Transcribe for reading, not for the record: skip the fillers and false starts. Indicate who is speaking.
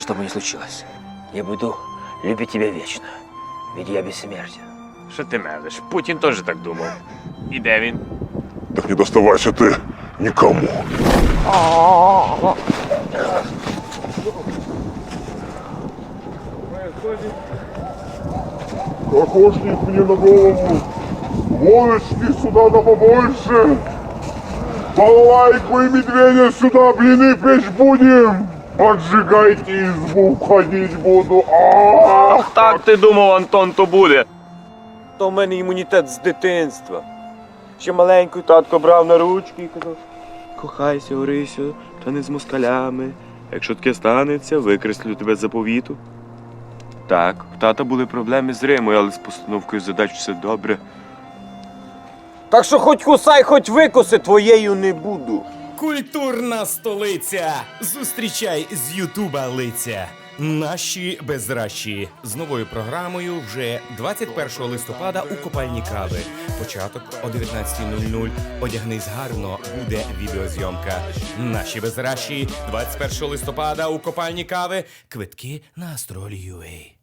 Speaker 1: Что бы ни случилось, я буду любить тебя вечно, ведь я бессмертен.
Speaker 2: Що ти мелиш? Путін теж так думав. І де він?
Speaker 3: Так не доставайся ты никому. Кокошник мне на голову. Волочки сюда да побольше. Балалайку и медведя сюда, блины печь будем. Поджигайте избу, входить буду.
Speaker 2: Ах, так ти думав, Антон, то буде.
Speaker 4: То в мене імунітет з дитинства. Ще маленький татко брав на ручки і казав: кохайся, Орисю, та не з москалями. Якщо таке станеться, викреслю тебе з заповіту. Так, в тата були проблеми з Римою, але з постановкою задач все добре. Так що хоч кусай, хоч викуси, твоєю не буду.
Speaker 5: Культурна столиця. Зустрічай з Ютуба лиця. Наші безращі. З новою програмою вже 21 листопада у Копальні Кави. Початок о 19:00. Одягнись гарно, буде відеозйомка. Наші безращі. 21 листопада у Копальні Кави. Квитки на Астролі.ua.